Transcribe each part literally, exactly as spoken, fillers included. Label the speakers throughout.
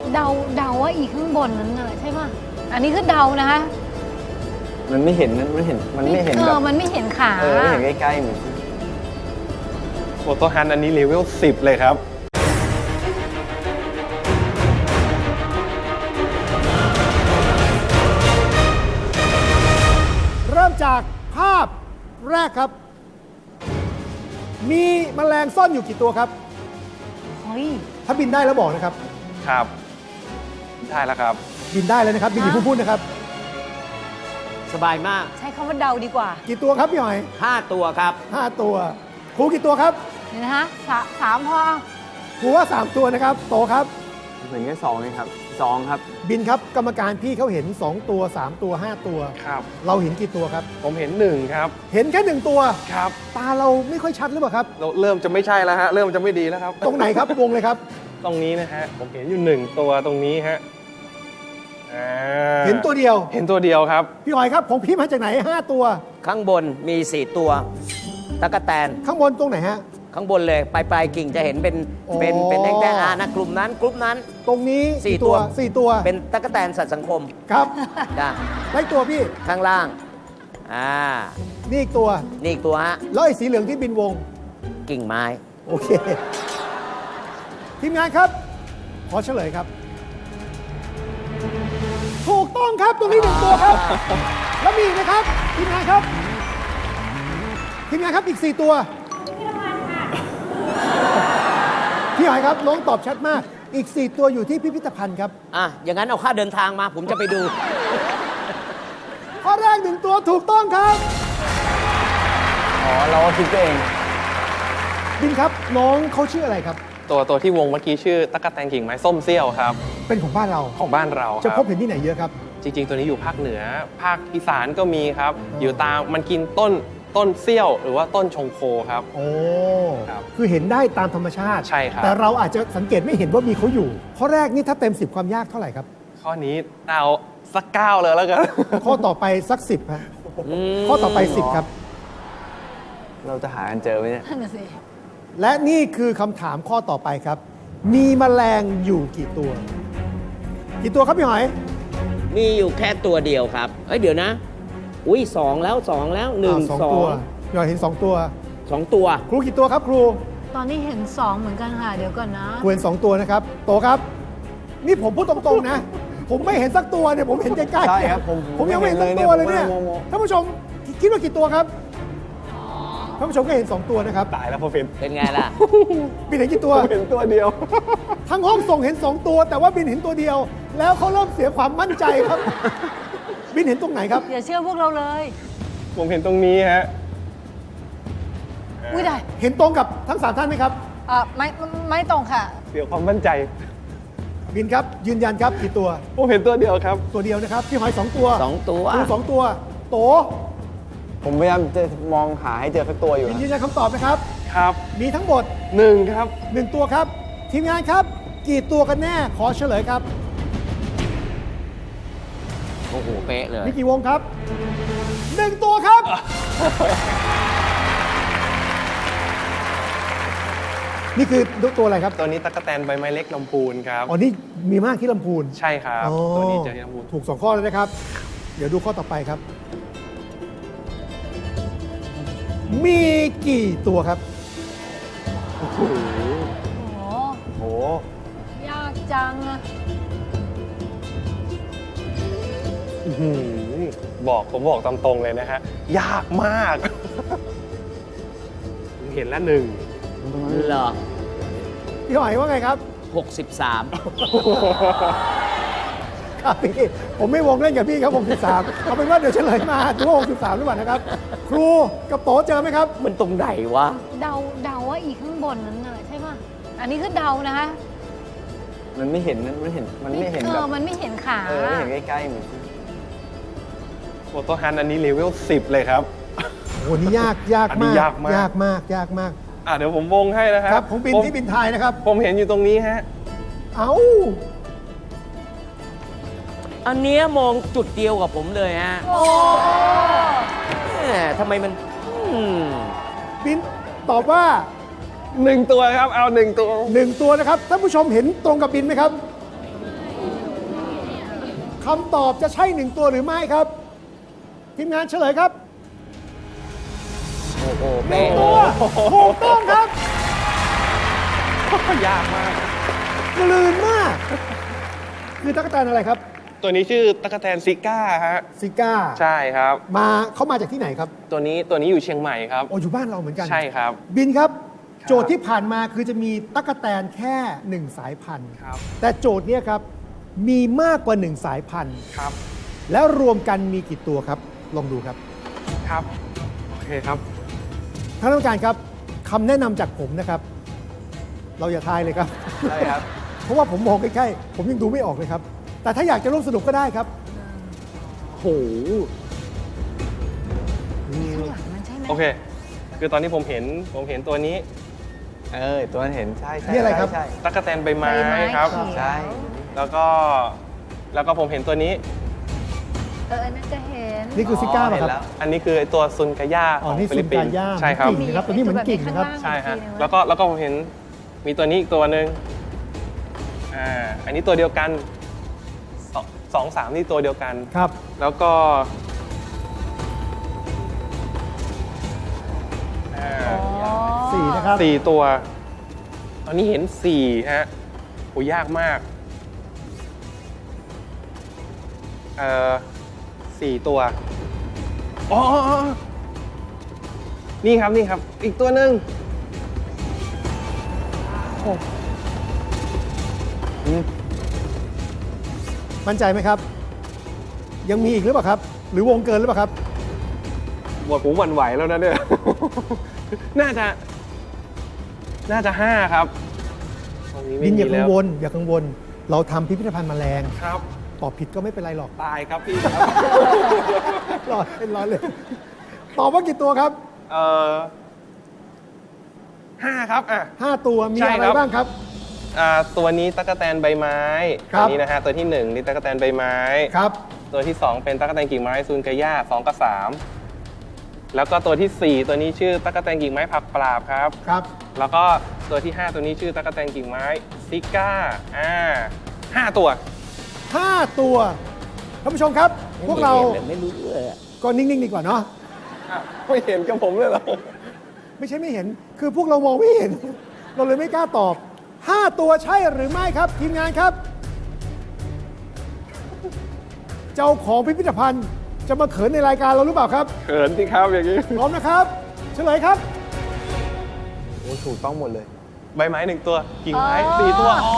Speaker 1: เดาเดาว่าอีกข้างบนนั้นน่ะใช่ป่ะอันนี้คือเดานะคะ
Speaker 2: มันไม่เห็นมันไม่เห็นมันไม่เห็น
Speaker 1: เอ
Speaker 2: แบบ
Speaker 1: อมันไม่เห็นขา
Speaker 2: เออไม่เห็นใกล้ๆเหมือน
Speaker 3: โฟโต้ฮันต์อันนี้เลเวลสิบเลยครับ
Speaker 4: เริ่มจากภาพแรกครับ มีแมลงซ่อนอยู่กี่ตัวครับ
Speaker 1: เฮ้ย
Speaker 4: ถ้าบินได้แล้วบอกนะครับ
Speaker 3: ครับ ได้แล้วครับ
Speaker 4: บินได้แล้วนะครับ บินอยู่าเพิ่งพูดนะครับ
Speaker 5: สบายมาก
Speaker 1: ใช้คำว่าเดาดีกว่า
Speaker 4: กี่ตัวครับพี่หอย
Speaker 5: ห้าตัวครับ
Speaker 4: ห้าตัว ครูกี่ตัวครับ
Speaker 1: เดี๋ยวนะคะสาสามพอ
Speaker 4: ครูว่าสามตัวนะครับ โตครับ
Speaker 2: เหมือนแค่สองเองครับสองครับ
Speaker 4: บินครับกรรมการพี่เขาเห็นสองตัวสามตัวห้าตัว
Speaker 3: ครับ
Speaker 4: เราเห็นกี่ตัวครับ
Speaker 3: ผมเห็นหนึ่งครับ
Speaker 4: เห็นแค่หนึ่งตัว
Speaker 3: ครับ
Speaker 4: ตาเราไม่ค่อยชัดหรือเปล่าครับ
Speaker 3: เราเริ่มจะไม่ใช่แล้วฮะ เริ่มจะไม่ดีแล้วครับ
Speaker 4: ตรงไหนครับ วงเลยครับ
Speaker 3: ตรงนี้นะฮะ ผมเห็นอยู่หนึ่งตัวตรงนี้ฮะอ่า
Speaker 4: เห็นตัวเดียว
Speaker 3: เห็นตัวเดียวครับ
Speaker 4: พี่หอยครับผมพี่มาจากไหนห้าตัว
Speaker 5: ข้างบนมีสี่ตัวตะกแตน
Speaker 4: ข้างบนตรงไหนฮะ
Speaker 5: ข้างบนเลยปลายปลายกิ่งจะเห็นเป็น
Speaker 4: โอ้
Speaker 5: เป็นเป็นแท่งๆอ่านะกลุ่มนั้นกลุ่มนั้น
Speaker 4: ตรงนี้
Speaker 5: สี่
Speaker 4: กี่
Speaker 5: ตัว
Speaker 4: สี่ตัว
Speaker 5: เป็นตะกแตนสัตว์สังคม
Speaker 4: ครับ
Speaker 5: จ้ะ
Speaker 4: ได้ตัวพี่
Speaker 5: ข้างล่างอ่า
Speaker 4: นี่อีกตัว
Speaker 5: นี่อีกตัวฮะ
Speaker 4: แล้วไอ้สีเหลืองที่บินวง
Speaker 5: กิ่งไม้
Speaker 4: โอเค ทีมงานครับ ขอเฉลยครับ ถูกต้องครับตรงนี้หนึ่งตัวครับ แล้วมีอีกนะครับ ทีมงานครับ ทีมงานครับอีกสี่ตัวพี่หอยครับน้องตอบชัดมาก อีกสี่ตัวอยู่ที่พิพิธภัณฑ์ครับ
Speaker 5: อ่ะอย่างนั้นเอาค่าเดินทางมา ผมจะไปดู
Speaker 4: ข้อแรกหนึ่งตัวถูกต้องครับ
Speaker 2: อ๋อ เราก็คิดไปเอง
Speaker 4: บินครับน้องเขาชื่ออะไรครับ
Speaker 3: ตัวตัวที่วงเมื่อกี้ชื่อตะกแตนกิ่งไม้ส้มเซี่ยวครับ
Speaker 4: เป็นของบ้านเรา
Speaker 3: ของบ้านเราค
Speaker 4: จะ
Speaker 3: รับ
Speaker 4: พบเห็นที่ไหนเยอะครับ
Speaker 3: จริงๆ ตัวนี้อยู่ภาคเหนือ ภาคอีสานก็มีครับ อยู่ตามมันกินต้นต้นเซี่ยว หรือว่าต้นชงโคครับ
Speaker 4: โอ้
Speaker 3: ครับ
Speaker 4: คือเห็นได้ตามธรรมชาติ
Speaker 3: ใช่ครับ
Speaker 4: แต่เราอาจจะสังเกตไม่เห็นว่ามีเขาอยู่ ข้อแรกนี่ถ้าเต็มสิบความยากเท่าไหร่ครับ
Speaker 3: ข้อนี้เอาสักเก้าเลยแล้วกัน
Speaker 4: ข้อต่อไปสักสิบฮะข้อต่อไปสิบครับ
Speaker 2: เราจะหากันเจอไหมเนี่ย
Speaker 1: นั่นน่ะสิ
Speaker 4: และนี่คือคำถามข้อต่อไปครับ มีแมลงอยู่กี่ตัว กี่ตัวครับพี่หอย
Speaker 5: มีอยู่แค่ตัวเดียวครับเอ้ยเดี๋ยวนะ อุ้ยสองแล้วสองแล้วหนึ่ง
Speaker 4: า
Speaker 5: สอ
Speaker 4: ตัว
Speaker 5: ง
Speaker 4: พี่หอยเห็นสองตัว
Speaker 5: สองตัว
Speaker 4: ครูกี่ตัวครับครู
Speaker 1: ตอนนี้เห็นสองเหมือนกันค่ะ เดี๋ยวก่อนนะ
Speaker 4: ครูเห็นสองตัวนะครับ โตครับ นี่ผมพูดตรงๆนะ ผมไม่เห็นสักตัวเนี่ยผมเห็นใกล้ๆ
Speaker 2: ใช่ครับผม
Speaker 4: ผมยังไม่เห็นสักตัวเลยเนี่ย
Speaker 2: ผมไม่เห็นเลยเนี่ย
Speaker 4: ท่านผู้ชมคิดว่ากี่ตัวครับท่านผู้ชมก็เห็นสองตัวนะครับ
Speaker 3: ตายแล้วพอเป็น
Speaker 5: เป็นไงล่ะ
Speaker 4: บินเห็นกี่ตัว
Speaker 3: เห็นตัวเดียว
Speaker 4: ทั้งห้องส่งเห็นสองตัว แต่ว่าบินเห็นตัวเดียว แล้วเขาเริ่มเสียความมั่นใจครับ บินเห็นตรงไหนครับ
Speaker 1: อย่าเชื่อพวกเราเลย
Speaker 3: ผมเห็นตรงนี้ฮะ
Speaker 1: อุ้ยได้
Speaker 4: เห็นตรงกับทั้งสามท่านไหมครับ
Speaker 1: เอ่อไม่ไม่ไม่ตรงค่ะ
Speaker 3: เสียความมั่นใจ
Speaker 4: บินครับ ยืนยันครับกี่ตัว
Speaker 3: ผมเห็นตัวเดียวครับ
Speaker 4: ตัวเดียวนะครับ พี่หอยสองตัว
Speaker 5: สองตัว
Speaker 4: ครูสองตัว โต
Speaker 2: ผมพยายามจะมองหาให้เจอสักตัวอยู่
Speaker 4: บิน
Speaker 2: นะ
Speaker 4: ยืนยันคำตอบนะครับ
Speaker 3: ครับ
Speaker 4: มีทั้งหมด
Speaker 3: หนึ่งครับ
Speaker 4: หนึ่งตัวครับ ทีมงานครับ กี่ตัวกันแน่ ขอเฉลยครับ
Speaker 5: โอ้โห เป๊ะเลย
Speaker 4: มีกี่วงครับหนึ่งตัวครับ นี่คือตัวอะไรครับ
Speaker 3: ตัวนี้ตะกแตนใบไม้เล็กลำพูนครับ
Speaker 4: อ๋อ นี่มีมากที่ลำพูน
Speaker 3: ใช่ครับ
Speaker 4: อ๋อ
Speaker 3: ตัวนี้เจอที่ลำพูน
Speaker 4: ถูกสองข้อแล้วนะครับ เดี๋ยวดูข้อต่อไปครับ มีกี่ตัวครับ
Speaker 1: โอ้โห
Speaker 2: โอ้
Speaker 1: ยากจังอะ
Speaker 3: อื้อหือบอกผมบอกตามตรงเลยนะฮะ ยากมาก ผมเห็นแล้วหนึ่ง
Speaker 5: เหรอ
Speaker 4: พี่หอยว่าไงครับ
Speaker 5: หกสิบสาม
Speaker 4: ครับพี่ ผมไม่วงเล่นกับพี่ครับหกสิบสามเอาเป็นว่าเดี๋ยวเฉลยมาดูว่าหกสิบสามหรือเปล่านะครับ ครูกับโตเจอไหมครับ
Speaker 5: มันตรงไหนวะ
Speaker 1: เดาเดาว่าอีกข้างบนนั้นน่ะใช่ป่ะอันนี้คือเดานะคะ
Speaker 2: มันไม่เห็นมันไม่เห็นมันไม่เห็น
Speaker 1: เอ
Speaker 2: แบ
Speaker 1: อบ มันไม่เห็นขา
Speaker 2: เออไม่เห็นใกล้ๆเหมือน
Speaker 3: โฟโต้ฮันต์อันนี้เลเวลสิบเลยครับ
Speaker 4: โอ้นี่ยากยาก
Speaker 3: อันนี้
Speaker 4: มาก
Speaker 3: ยากมาก
Speaker 4: ยากมากยากมาก
Speaker 3: อ่ะเดี๋ยวผมวงให้นะค
Speaker 4: ค
Speaker 3: รั
Speaker 4: รับ บของบิน
Speaker 3: ผม
Speaker 4: ที่บินไทยนะครับ
Speaker 3: ผมเห็นอยู่ตรงนี้ฮะ
Speaker 4: เอ้า
Speaker 5: อันเนี้ยมองจุดเดียวกับผมเลยฮะ
Speaker 1: โอ้
Speaker 5: แหมทำไมมันอืม
Speaker 4: บินตอบว่า
Speaker 3: หนึ่งตัวครับ เอาหนึ่งตัว
Speaker 4: หนึ่งตัวนะครับท่านผู้ชมเห็นตรงกับบินไหมครับคำตอบจะใช่หนึ่งตัวหรือไม่ครับ ทีมงานเฉลยครับ
Speaker 5: โอ้โห
Speaker 4: หนึ่
Speaker 5: เป๊ะ
Speaker 4: งตัวถูกต้องครับ
Speaker 3: ยากมาก
Speaker 4: กลืนมาก คือตั๊กแตนอะไรครับ
Speaker 3: ตัวนี้ชื่อตั๊กแตนซิก้าฮะ
Speaker 4: ซิก้า
Speaker 3: ใช่ครับ
Speaker 4: มาเขามาจากที่ไหนครับ
Speaker 3: ตัวนี้ตัวนี้อยู่เชียงใหม่ครับ
Speaker 4: โอ้อยู่บ้านเราเหมือนกัน
Speaker 3: ใช่ครับ
Speaker 4: บินครับ
Speaker 3: ครับ
Speaker 4: โจทย์ที่ผ่านมาคือจะมีตั๊กแตนแค่หนึ่งสายพันธุ์
Speaker 3: ครับ
Speaker 4: แต่โจทย์เนี้ยครับมีมากกว่าหนึ่งสายพันธุ์
Speaker 3: ครับ
Speaker 4: แล้วรวมกันมีกี่ตัวครับ ลองดูครับ
Speaker 3: ครับ โอเคครับ
Speaker 4: ท่านผู้การครับคำแนะนำจากผมนะครับ เราอย่าทายเลยครับ
Speaker 2: ใช่ครับ
Speaker 4: เพราะว่าผมมองใกล้ๆผมยังดูไม่ออกเลยครับ แต่ถ้าอยากจะร่วมสนุกก็ได้ครับ
Speaker 5: โอ้โห
Speaker 1: ข้างหลังมันใช่ไหม
Speaker 3: โอเค คือตอนที่ผมเห็นผมเห็นตัวนี้
Speaker 2: เออ ตัวนั้นเห็น ใช่ใช่
Speaker 4: นี่อะไรครับ
Speaker 2: ใช่
Speaker 3: ตั๊กแตนใบไม้
Speaker 1: ใบไม้
Speaker 3: ครับ
Speaker 1: เขียว
Speaker 2: ใช่
Speaker 3: แล้วก็แล้วก็ผมเห็นตัวนี้
Speaker 1: เอออันน่าจะเห็น
Speaker 4: นี่คือซิก้าป่ะครับ
Speaker 2: เห็นแล้ว
Speaker 3: อันนี้คือไอ้ตัวซุนกาย่า
Speaker 4: อ๋
Speaker 3: ข
Speaker 4: อ
Speaker 3: อง
Speaker 4: นี่
Speaker 3: ฟิลิปปิน
Speaker 4: ซุน
Speaker 3: ส์
Speaker 4: กาย่า
Speaker 3: ใช่ครับ
Speaker 4: กิ่งนะครับตัวนี้เหมือนกิ่งนะครับ
Speaker 3: ใช่ฮะ
Speaker 1: อีกทีหนึ่ง
Speaker 3: แล้วก็แล้วก็ผมเห็นมีตัวนี้อีกตัวหนึ่งอ่า อันนี้ตัวเดียวกันสองสองสามนี่ตัวเดียวกัน
Speaker 4: ครับ
Speaker 3: แล้วก็อ่า
Speaker 1: อ๋อ
Speaker 4: สี่นะครับ
Speaker 3: สี่ตัว ตอนนี้เห็นสี่ฮะโหยากมาก เอ่อสี่ตัวอ๋ออ๋ออ๋อนี่ครับนี่ครับ อีกตัวหนึ่ง
Speaker 4: มั่นใจไหมครับ ยังมีอีกหรือเปล่าครับ หรือวงเกินหรือเปล่าครับ
Speaker 3: หมดผมหวั่นไหวแล้วนะเนี่ย น่าจะ น่าจะห้าครับตรงนี้
Speaker 4: บิ
Speaker 3: ไม่
Speaker 4: นอ
Speaker 3: มี
Speaker 4: ย่ากั
Speaker 3: แล้
Speaker 4: ง
Speaker 3: ว
Speaker 4: วลอย่ากังวล เราทำพิพิธภัณฑ์แมลง
Speaker 3: ครับ
Speaker 4: ตอบผิดก็ไม่เป็นไรหรอก
Speaker 3: ตายครับพี่ครับ
Speaker 4: รอเล่นรอเลยตอบว่ากี่ตัวครับ
Speaker 3: เอ่อห้าครับอ่ะ
Speaker 4: ห้าตัวมี
Speaker 3: ใช่
Speaker 4: อะไร
Speaker 3: ครับ
Speaker 4: บ้างครับ
Speaker 3: อ่าตัวนี้ตั๊กแตนใบไม้
Speaker 4: ครั
Speaker 3: ตัว
Speaker 4: บ
Speaker 3: นี้นะฮะตัวที่หนึ่งนี่ตั๊กแตนใบไม้
Speaker 4: ครับ
Speaker 3: ตัวที่สองเป็นตั๊กแตนกิ่งไม้ซูนกาย่าสองกับสามแล้วก็ตัวที่สี่ตัวนี้ชื่อตั๊กแตนกิ่งไม้ผักปราบครับ
Speaker 4: ครับ
Speaker 3: แล้วก็ตัวที่ห้าตัวนี้ชื่อตั๊กแตนกิ่งไม้ซิก้าอ่าห้าตัว
Speaker 4: ห้าตัวท่านผู้ชมครับ พวกเรา
Speaker 5: ไม่รู้เลยอะ
Speaker 4: ก็นิ่ง ๆ ดีกว่าเนาะ
Speaker 3: ไม่เห็นกับผมเลยเหรอ
Speaker 4: ไม่ใช่ไม่เห็น คือพวกเรามองไม่เห็น เราเลยไม่กล้าตอบ ห้า ตัวใช่หรือไม่ครับ ทีมงานครับ เจ้าของพิพิธภัณฑ์จะมาเขินในรายการเราหรือเปล่าครับ
Speaker 3: เขินสิครับอย่างนี้
Speaker 4: พร้อมนะครับ เฉลยครับ
Speaker 2: โอ้ถูกต้องหมดเลย
Speaker 3: ใบไม้หนึ่งตัวกิ่งไม้
Speaker 1: อ๋อ
Speaker 3: สี่ตัวอ๋อ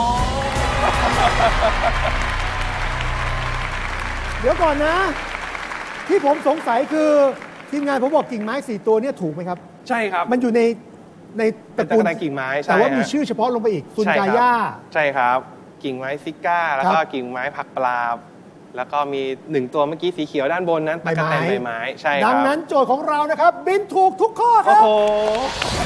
Speaker 4: เดี๋ยวก่อนนะ ที่ผมสงสัยคือทีมงานผมบอกกิ่งไม้สี่ตัวเนี่ยถูกไหมครับ
Speaker 3: ใช่ครับ
Speaker 4: มันอยู่ในในต
Speaker 3: เป็น
Speaker 4: ระ
Speaker 3: ตั๊
Speaker 4: กู
Speaker 3: ก
Speaker 4: ล
Speaker 3: แตนกิ่งไม้ใช่
Speaker 4: แต่ว่ามี
Speaker 3: ฮะ
Speaker 4: ชื่อเฉพาะลงไปอีกซุน
Speaker 3: ใช่
Speaker 4: กา
Speaker 3: ครับ
Speaker 4: ย่า
Speaker 3: ใช่ครับ กิ่งไม้ซิก้า แล้วก็
Speaker 4: ครับ
Speaker 3: กิ่งไม้ผักปลาบ แล้วก็มีหนึ่งตัวเมื่อกี้สีเขียวด้านบนนั้น
Speaker 4: ใบ
Speaker 3: ตั๊ก
Speaker 4: ไม้
Speaker 3: แตนใบไม้ใช่ครับ
Speaker 4: ดังนั้นโจทย์ของเรานะครับ บินถูกทุกข้อค
Speaker 3: โอ้
Speaker 4: รับ
Speaker 3: โห